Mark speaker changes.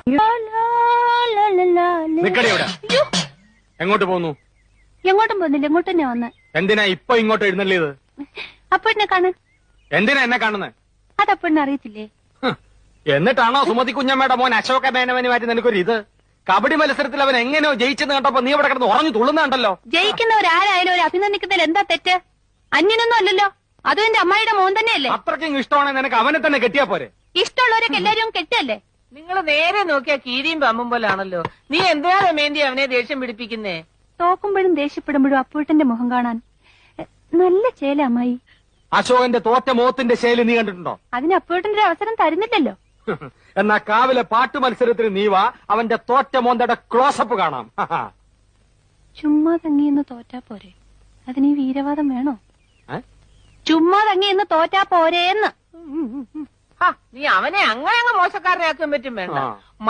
Speaker 1: നിക്കടി ഇവിടെ. എങ്ങോട്ട് പോന്നു?
Speaker 2: എങ്ങോട്ടും പോകുന്നില്ല, എങ്ങോട്ട് തന്നെ വന്ന്.
Speaker 1: എന്തിനാ ഇപ്പൊ ഇങ്ങോട്ട് എഴുന്നള്ളിയത്?
Speaker 2: അപ്പോഴെന്നെ കാണാൻ.
Speaker 1: എന്തിനാ എന്നെ കാണുന്നത്?
Speaker 2: അതപ്പോഴെന്നെ അറിയത്തില്ലേ?
Speaker 1: എന്നിട്ടാണോ സുമതി കുഞ്ഞമ്മയുടെ മോൻ അശോക മേനവന് മാറ്റി നിനക്കൊരു ഇത്? കബഡി മത്സരത്തിൽ അവൻ എങ്ങനെയോ ജയിച്ചെന്ന് കണ്ടപ്പോ നീ ഇവിടെ കിടന്ന് ഉറഞ്ഞു തുള്ളുന്നുണ്ടല്ലോ.
Speaker 2: ജയിക്കുന്നവരാരായാലും ഒരു അഭിനന്ദിക്കുന്നതിൽ എന്താ തെറ്റ്? അന്യനൊന്നും അല്ലല്ലോ, അതും എന്റെ അമ്മായിയുടെ മോൻ തന്നെയല്ലേ.
Speaker 1: അത്രയ്ക്കും ഇഷ്ടമാണെങ്കിൽ നിനക്ക് അവനെ തന്നെ കെട്ടിയാ പോരെ?
Speaker 2: ഇഷ്ടമുള്ളവരൊക്കെ എല്ലാരും കെട്ടല്ലേ.
Speaker 3: നിങ്ങൾ നേരെ നോക്കിയാ കീരിയും പമ്പും പോലാണല്ലോ. നീ എന്തിനാ രമേന്തി അവനെ ദേഷ്യം പിടിപ്പിക്കുന്നേ?
Speaker 2: തോക്കുമ്പോഴും ദേഷ്യപ്പെടുമ്പോഴും അപ്പൂട്ടന്റെ മുഖം കാണാൻ നല്ല ചേല അമ്മായി.
Speaker 1: അശോകന്റെ തോറ്റ മോത്തിന്റെ ശൈലി നീ കണ്ടിട്ടുണ്ടോ?
Speaker 2: അതിന് അപ്പൂട്ടന്റെ ഒരു അവസരം തരുന്നില്ലല്ലോ.
Speaker 1: എന്നാ കാവിലെ പാട്ട് മത്സരത്തിന് നീ വാ, അവന്റെ തോറ്റ മോന്തയുടെ ക്ലോസപ്പ് കാണാം.
Speaker 2: ചുമ്മാ തങ്ങിയെന്ന് തോറ്റാ പോരെ, അതിന് ഈ വീരവാദം വേണോ? ചുമ്മാ തങ്ങിയെന്ന് തോറ്റാ പോരേന്ന്.
Speaker 3: നീ അവനെ അങ്ങനെ അങ്ങ് മോശക്കാരനാക്കാൻ പറ്റും വേണ്ട.